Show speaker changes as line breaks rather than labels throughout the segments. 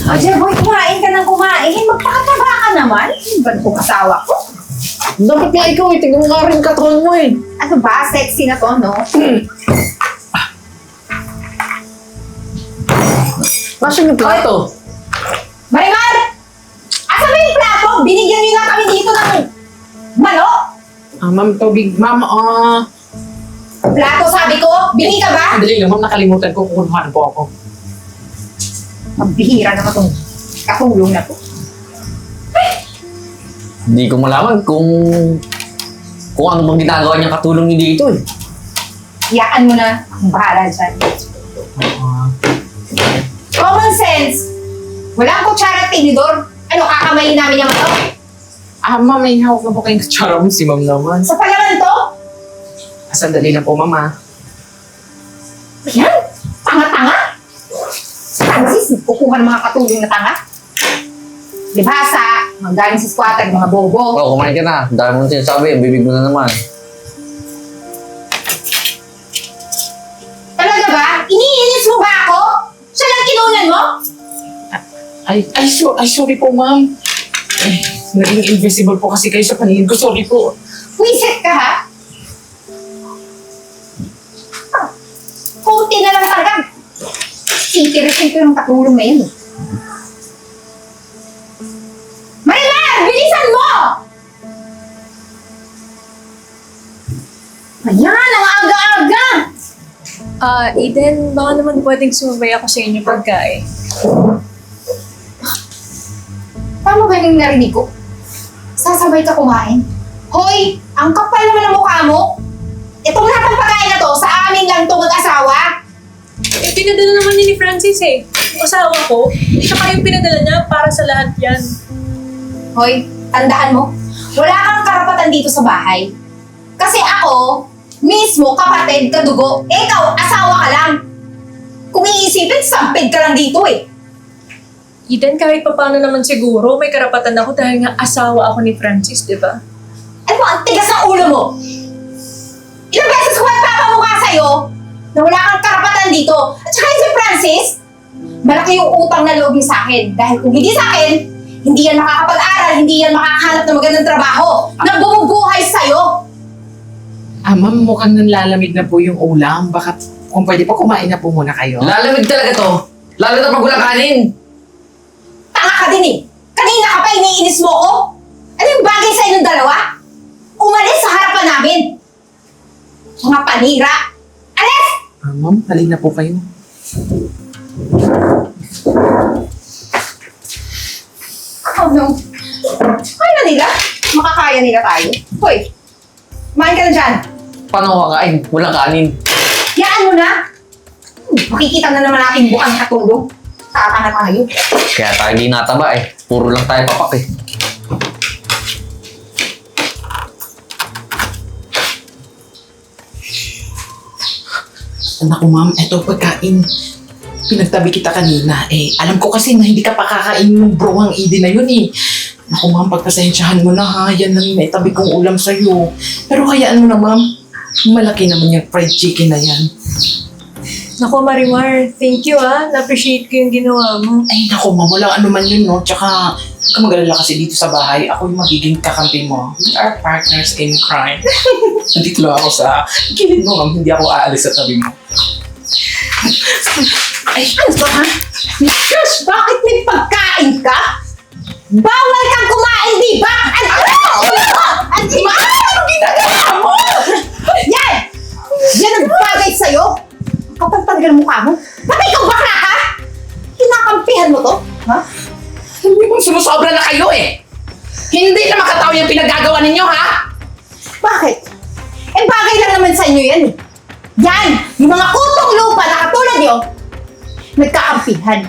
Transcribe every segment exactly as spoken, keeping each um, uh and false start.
O, Jeboy, kumain ka ng kumain. Magpakataba ka naman. Ano ba itong asawa ko?
Dapat nga ikaw eh. Tignan mo nga rin katawan mo eh.
Ano ba? Sexy na to, no?
Nasaan yung plato?
Marimar! Asan ba yung plato? Binigyan niyo na kami dito ng manok.
Ah, ma'am, tubig. Ma'am, ah...
Plato, sabi ko. Bili ka ba?
Sandali lang, ma'am. Nakalimutan ko. Kukunuhan po ako.
Ang bihira naman itong katulong na to.
Hindi ko malaman kung kung ano bang ginagawa niyang katulong niyo dito eh.
Iyaan mo na. Ang bahala dyan.
Ah,
Common sense. Wala ang kutsara at tinidor. Ano, kakamayin namin yung manok?
ah ma'am, may hawak na po kayong kutsara mo si ma'am naman.
Sa palaman to?
Ah, sandali lang po, ma'am ah.
Yan. Tanga-tanga. Francis, kukuha ng mga katulong na tanga. Libhasa, mga galing sa squatter, mga bobo.
Oh, kumain ka na. Dahil mo na sinasabi, ang bibig mo na naman.
Talaga ba? Iniinis mo ba ako? Siya lang kinunan mo?
Ay, ay, so, ay sorry po, ma'am. Ay, naging invisible po kasi kayo sa paningin ko. Sorry po.
Wiset ka ha? Ah, Kunti na lang talaga. Titirisin ko yung katulong na yun. Marimar! Bilisan mo! Ayan, ang aga-aga!
Ah, Eden, baka naman pwedeng sumabay ako sa inyo pagkain.
Tama ba yung narinig ko? Sasabay ka kumain? Hoy! Ang kapal naman ng mukha mo! Itong lahat ng pagkain na to, sa amin lang to mag-asawa!
Eh, pinadala naman niya ni Francis eh. Yung asawa ko, tsaka yung pinadala niya para sa lahat yan.
Hoy, tandaan mo, wala kang karapatan dito sa bahay. Kasi ako, mismo kapatid, kadugo, eh, ikaw, asawa ka lang. Kung iisipin, sampid ka lang dito eh.
Eden, kahit pa paano naman siguro, may karapatan ako dahil nga asawa ako ni Francis, di ba?
Ano mo, ang tigas ng ulo mo? Ilang beses ko magpapamukha sa'yo na wala kang karapatan dito. At saka yung si Francis, malaki yung utang na loob niya sa akin. Dahil kung hindi sa akin, hindi yan makakapag-aral, hindi yan makakahanap ng magandang trabaho na bumubuhay sa'yo.
Ah, ma'am, mukhang nanlalamig na po yung ulam. Baka kung pwede po, kumain na po muna kayo.
Lalamig talaga to. Lalo na pag walang kanin.
Tanga ka din eh. Kanina ka pa iniinis mo ko. Ano yung bagay sa inyong dalawa? Umalis sa harapan namin. Mga panira. Alis!
Ah, ma'am, halina po kayo.
Oh no. Kaya na nila. Makakaya nila tayo. Hoy, kumain ka na dyan.
Paano kakain? Walang kanin.
Yaan mo na. Hmm, makikita na naman natin bukang katulong. Tatanga tayo.
Kaya tayo di nataba eh. Puro lang tayo papak eh.
Naku, ma'am, eto pagkain. Pinagtabi kita kanina. Eh, alam ko kasi na hindi ka pa kakain ng browang Eden na yun eh. Naku, ma'am, pagpasensyahan mo na ha. Yan lang yung naitabi kong ulam sa'yo. Pero hayaan mo na, ma'am. Malaki naman yung fried chicken na yan.
Naku, Marimar, thank you ah. Na-appreciate ko yung ginawa mo.
Ay, naku, ma'am, walang ano man yun, no? Tsaka, huwag ka mag-alala kasi dito sa bahay, ako yung magiging kakampi mo. We are partners in crime. Nandito lang ako sa gilid mo, ma'am. Hindi ako aalis sa tabi mo.
Ay, ano ba ha? Shush! Bakit may pagkain ka? Bawal kang kumain, di ba? Ano? Ano? Ano? Ano ginagawa mo? Yan! Yan ang bagay sa'yo. Kapag talaga ng mukha mo. Ba't ikaw bakla ka? Kinakampihan mo to? Ha?
Hindi mo sumusobra na kayo eh! Hindi na makatao yung pinagagawa ninyo, ha?
Bakit? Eh bagay lang naman sa inyo yan eh. Yan! Yung mga kutong lupa na katulad nyo, nagkakampihan.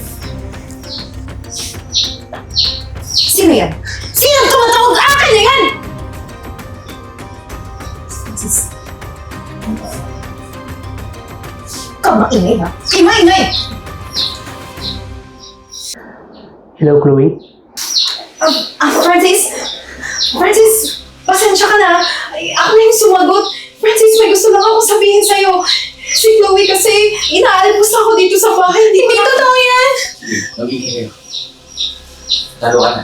Sino yan? Sino ang tumatawag? Akin na yan! Sis. Ikaw maingay ha? Ikaw maingay!
Hello, Chloe.
Ah, ah, Francis? Francis, pasensya ka na. Ay, ako na yung sumagot. Francis, may gusto lang ako sabihin sa'yo. Si Chloe kasi inaalipos ako dito sa bahay. Hindi
Hindi
ko na...
totoo yan!
Magiging kayo. Talo ka na.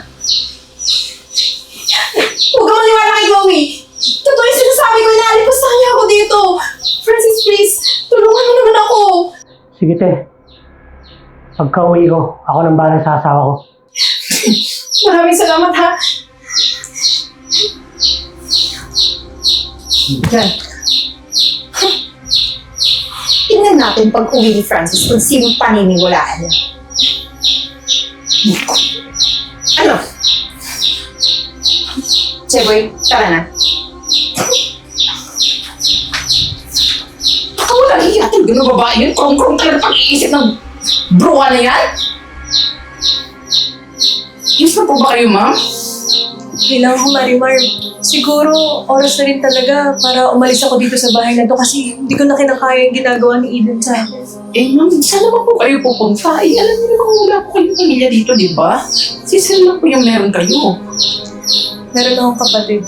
Huwag ka maniwala kay Chloe! Totoo yung sinasabi ko, inaalipos na kanya ako dito! Francis, please! Tulungan mo naman ako!
Sige, te. Pagka uwi ko, ako nang bahala sa asawa ko.
Maraming salamat, ha? Yan. Tingnan natin pag uwi ni Francis kung sinong paniniwalaan niya. Ano? Cheboy, tara na.
Baka wala hiyatin. Ganun babae yun. Krong-krong talaga pag-iisip ng bruwa na yan. Yes na po ba kayo, ma'am?
Kailangan ko, Marimar. Siguro, oras na rin talaga para umalis ako dito sa bahay na to kasi hindi ko na kinakaya yung ginagawa ni Eden sa akin.
Eh, ma'am, saan naman po kayo pupunta? Eh, alam niyo naman wala po kayong pamilya dito, di ba? Sisil lang po yung meron kayo.
Meron akong kapatid.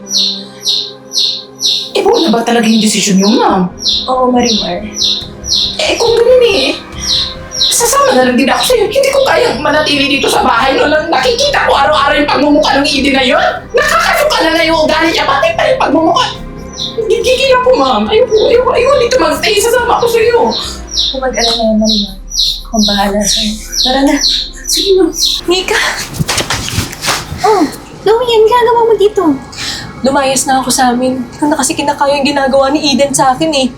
Eh, buo na ba talaga yung desisyon niyo, ma'am?
Oo, Marimar.
Eh, kung ganun eh, sasama na lang din ako sa'yo. Hindi ko kayang manatili dito sa bahay. No, lang nakikita ko araw-araw yung pagmumukha ng Eden na yun. Nakakasuka na na yung ugali niya. Bakit tayo pagmumukha? Gigigil ako, ma'am. Ayaw po, ayaw, ayaw dito mag-stay. Sasama ako sa'yo.
Kung mag-alala na, Marimar. Akong bahala sa'yo. Tara na.
Sige, ma'am.
Nika!
Oh, Chloe, yan ginagawa mo dito.
Lumayas na ako sa amin. Hindi ko na kasi kinakaya yung ginagawa ni Eden sa akin eh.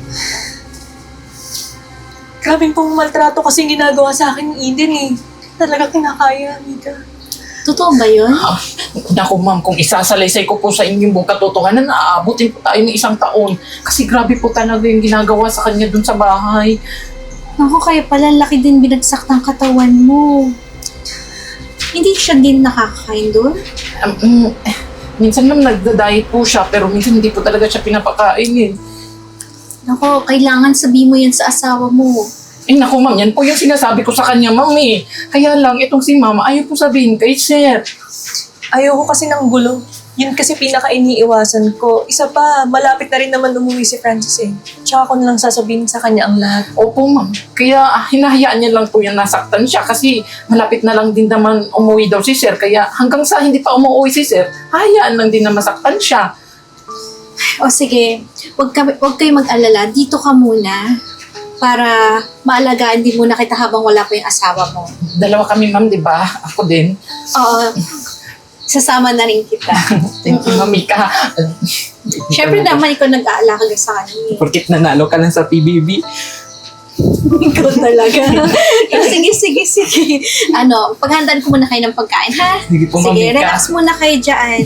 Grabe pong maltrato kasi yung ginagawa sa akin ni Eden eh. Talaga kinakaya, Nika.
Totoo ba yun?
Ah, naku, ma'am, kung isasalaysay ko po sa inyong buong katotohanan, naaabutin po tayo ng isang taon. Kasi grabe po talaga yung ginagawa sa kanya dun sa bahay.
Ako, kaya pala laki din binagsak ng katawan mo. Hindi siya din nakakakain doon?
Um, mm, eh, minsan ma'am, nagda-diet po siya, pero minsan hindi po talaga siya pinapakain eh.
Ako, kailangan sabihin mo yan sa asawa mo.
Eh naku, ma'am, yan po yung sinasabi ko sa kanya, ma'am eh. Kaya lang, itong si mama, ayaw po sabihin kay sir.
Ayoko kasi ng gulo. Yun kasi pinaka-iniiwasan ko. Isa pa, malapit na rin naman umuwi si Francis eh. Tsaka ko nalang sasabihin sa kanya ang lahat.
Opo, ma'am. Kaya ah, hinahayaan niya lang po yung nasaktan siya kasi malapit na lang din naman umuwi daw si sir. Kaya hanggang sa hindi pa umuwi si sir, hayaan lang din na masaktan siya.
O sige, wag, ka, wag kayo mag-alala. Dito ka muna para maalagaan din muna kita habang wala pa yung asawa mo.
Dalawa kami, ma'am, di ba? Ako din.
Oo, sasama na rin kita.
Thank you, Mamika.
Siyempre naman ikaw nag-aalaga sa kanya.
Porkit nanalo ka lang sa P B B.
Ikaw talaga. Eh, sige, sige, sige. Ano, paghandaan ko muna kayo ng pagkain, ha?
Sige po,
Sige,
Mamika.
relax muna kayo dyan.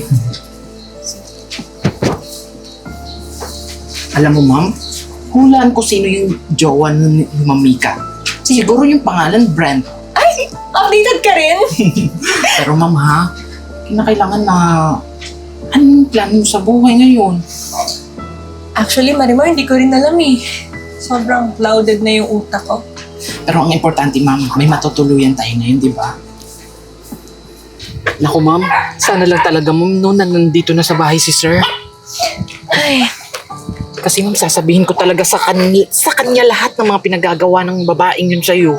Alam mo, ma'am, hulaan ko sino yung jowa ni ni Mamika. Siguro yung pangalan, Brent.
Updated ka rin?
Pero ma'am, ha, kinakailangan na anong plano mo sa buhay ngayon?
Actually, Marimar, hindi ko rin alam eh. Sobrang clouded na yung utak ko.
Pero ang importante, ma'am, may matutuluyan tayo ngayon, di ba? Naku, ma'am, sana lang talaga, ma'am, no, na nandito na sa bahay si sir.
Ay,
Kasi ma'am, sasabihin ko talaga sa kanya, sa kanya lahat ng mga pinagagawa ng babaeng yun sa'yo.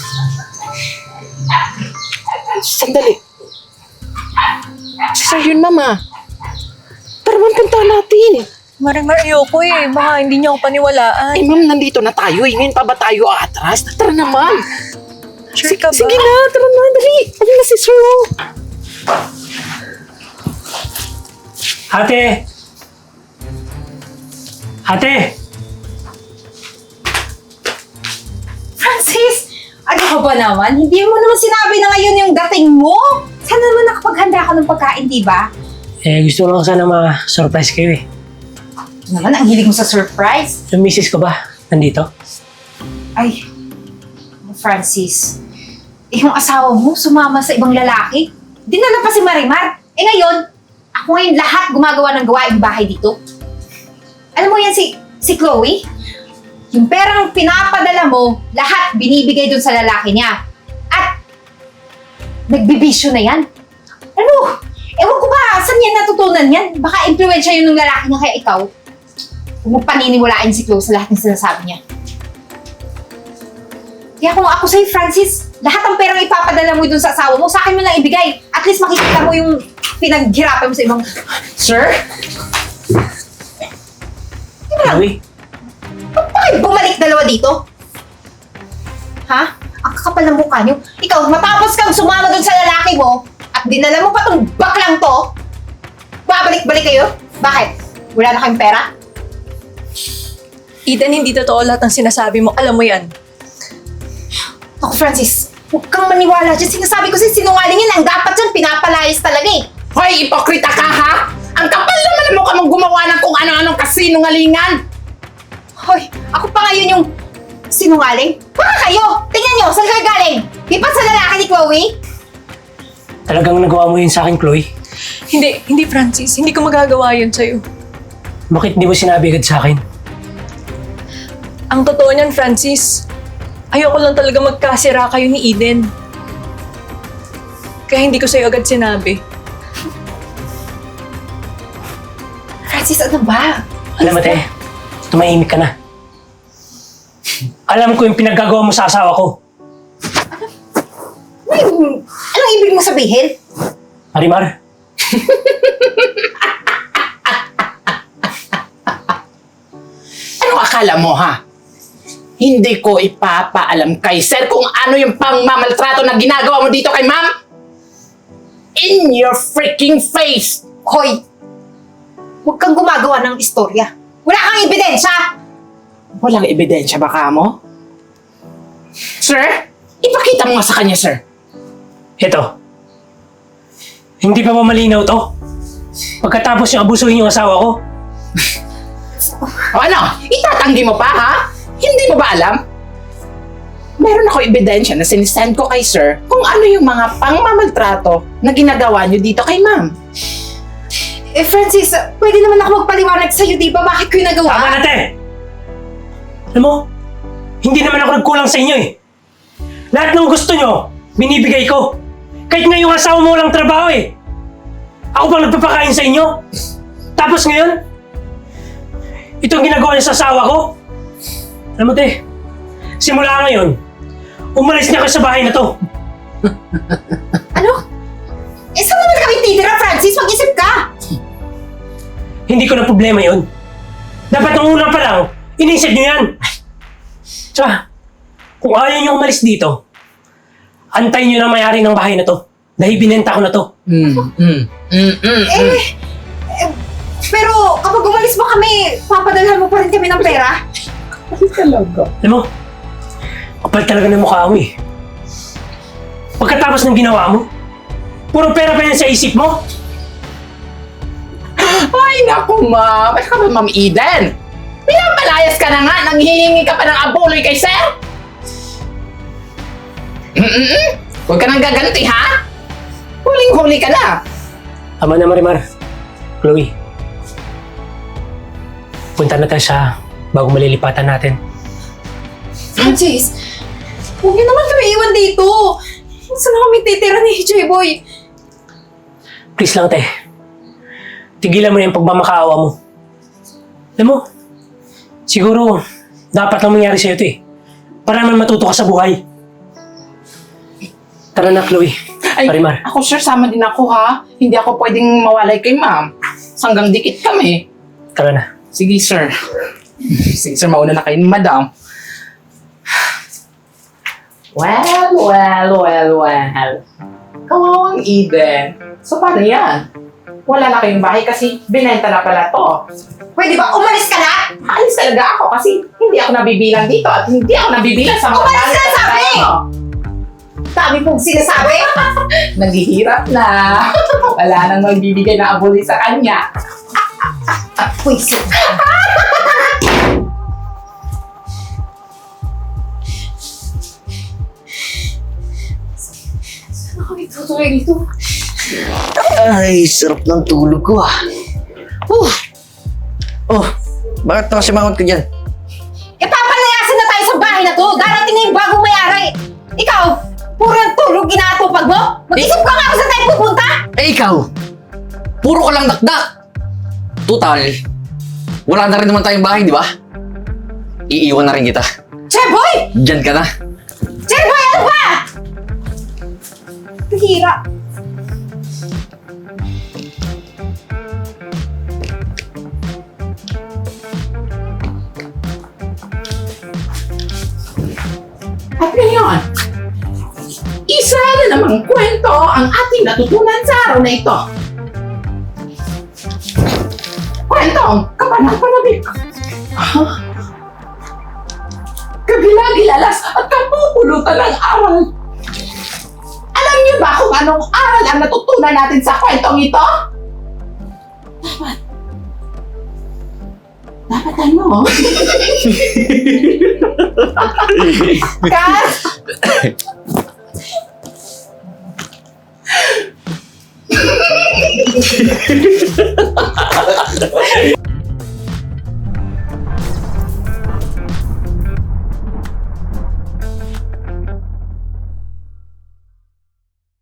Sandali. Si sir yun, ma'am, ah. Tara, ma'am, punta natin.
Marimar, ayoko eh. Baka hindi niyo ako paniwalaan.
Eh, ma'am, nandito na tayo. Eh, ngayon pa ba tayo atras? Tara na, ma'am.
Sure ka ba?
Sige na, tara na, dali. Ayun na si sir, oh.
Ate! Ate!
Francis! Ano ka ba naman? Hindi mo naman sinabi na ngayon yung dating mo? Sana naman nakapaghanda ka ng pagkain, di ba?
Eh, gusto ko lang sana ma-surprise kayo eh.
Naman, ang hilig mo sa surprise.
Yung misis ko ba? Nandito?
Ay, Francis. Eh, yung asawa mo sumama sa ibang lalaki. Dinala pa si Marimar. Eh ngayon, ako ngayon lahat gumagawa ng gawaing bahay dito. Alam mo yan si, si Chloe? Yung perang pinapadala mo, lahat binibigay dun sa lalaki niya. At, nagbibisyo na yan. Ano? Ewan ko ba, saan yan natutunan yan? Baka influensya yun ng lalaki niya kaya ikaw. Huwag mo paniniwalaan si Chloe sa lahat ng sinasabi niya. Kaya kung ako sa'yo, Francis, Lahat ng perang ipapadala mo dun sa asawa mo, sa akin mo lang ibigay. At least makikita mo yung pinaghirapan mo sa ibang...
Sir?
Chloe,
Bakit bumalik dalawa dito? Ha? Ang kakapal ng mukha niyo. Ikaw, matapos kang sumama dun sa lalaki mo at dinala mo pa tong baklang to, babalik-balik kayo? Bakit? Wala na kayong pera?
Eden, hindi totoo lahat ng sinasabi mo. Alam mo yan.
Ako, Francis, huwag kang maniwala dyan. Sinasabi ko sa'yo, sinungaling yan. Ang dapat dyan, pinapalayas talaga eh.
Hoy, ipokrita ka ha? Ang kapal naman mo ka mong gumawa ng kung ano-anong kasinungalingan.
Hoy, ako pa ngayon yung sinungaling? Baka kayo! Tingnan nyo, saan kayo galing? Di pa sa lalaki ni Chloe?
talagang nagawa mo yun sa akin, Chloe.
Hindi, hindi Francis. Hindi ko magagawa yun sa'yo.
Bakit di mo sinabi agad sa akin?
Ang totoo niyan, Francis, ayoko lang talaga magkasira kayo ni Eden. Kaya hindi ko sa'yo agad sinabi.
Francis, ano ba?
Alam mo, te, tumahimik ka na. Alam ko yung pinaggagawa mo sa asawa ko.
May, anong ibig mo sabihin?
Marimar,
Ano akala mo ha? Hindi ko ipapaalam kay sir kung ano yung pangmamaltrato na ginagawa mo dito kay ma'am? In your freaking face!
Hoy, huwag kang gumagawa ng istorya. Wala kang ebidensya!
Walang ebidensya ba ka mo? Sir, ipakita mo nga sa kanya, sir.
eto. Hindi pa ba malinaw to? Pagkatapos yung abusuhin yung asawa ko,
O ano, itatanggi mo pa ha? Hindi mo ba alam? Meron ako ebidensya na sinisend ko kay sir kung ano yung mga pangmamaltrato na ginagawa niyo dito kay ma'am.
Eh, Francis, pwede naman ako magpaliwanag sa'yo, di ba? Bakit ko yung nagawa?
tama na, te! Alam mo, hindi naman ako nagkulang sa inyo eh. Lahat ng gusto nyo, binibigay ko. Kahit nga yung asawa mo walang trabaho eh. Ako bang nagpapakain sa inyo? Tapos ngayon, itong ginagawa niya sa asawa ko? Alam mo, te, simula ngayon, umalis na kayo sa bahay na to.
Ano? Eh, saan naman kami titira, Francis? Mag-isip ka!
Hindi ko na problema yon. Dapat nung una pa lang, inisip nyo yan. Tsaka, kung ayaw nyo umalis dito, antayin nyo na may-ari ng bahay na to. Dahil binenta ko na to.
Mm, mm, mm, mm,
Eh, eh, pero kapag umalis mo kami, papadalhan mo pa rin kami ng pera?
Talaga.
Alam mo, kapal talaga ng mukha mo eh. Pagkatapos ng ginawa mo, puro pera pa yan sa isip mo.
Ay, naku, ma'am. Ano ka ba, Ma'am Eden? Pinapalayas ka na nga, nanghihingi ka pa ng abuloy kay sir? Mm-mm. Huwag ka nang gaganti, ha? Huling-huli ka na.
Tama na, Marimar. Chloe, punta na tayo sa bago malilipatan natin.
Francis, huwag niyo naman kami iwan dito. Saan na kami titira ni J-Boy?
Please lang, te. Tigilan mo na yung pagmamakaawa mo. Alam mo, siguro, dapat lang mangyari sa'yo ito eh. Para naman matuto ka sa buhay. Tara na, Chloe.
Ay,
Marimar.
ako sir, sama din ako, ha? Hindi ako pwedeng mawalay kay ma'am. Sanggang dikit kami.
Tara na.
Sige, sir. Sige, sir, mauna na kayo, madam. Well, well, well, well. Kawawang Eden. So, paano yan? Wala na kayong bahay kasi binenta na pala to.
Pwede ba umalis ka na?
Alis talaga ako kasi hindi ako nabibilang dito at hindi ako nabibilang sa mga
Umalis
gamit
ka,
sa
sabi!
bahay mo.
Dami pong sinasabi.
Naghihirap na. Wala nang magbibigay na abuli sa kanya.
Pwisit. Saan kami tutuloy dito?
Ay, sarap ng tulog ko ah. Uh. Oh, bakit nakasimangot ka dyan?
Eh, papalayasin na tayo sa bahay na to. Darating na yung bagong mayari. Ikaw, puro ang tulog ginatupag mo? Mag-isip ka nga kung saan tayo pupunta?
Eh ikaw, puro ka lang dakdak. Total, wala na rin naman tayong bahay, di ba? Iiwan na rin kita.
Cheboy!
Diyan ka na.
Cheboy, ano ba? Hira.
At ngayon, isa na namang kwento ang ating natutunan sa araw na ito. Kwentong kapanang-panabik. Kagilagilalas at kapupulutan ng aral. Alam niyo ba kung anong aral ang natutunan natin sa kwentong ito? Dapat. Dapat ano? Kat!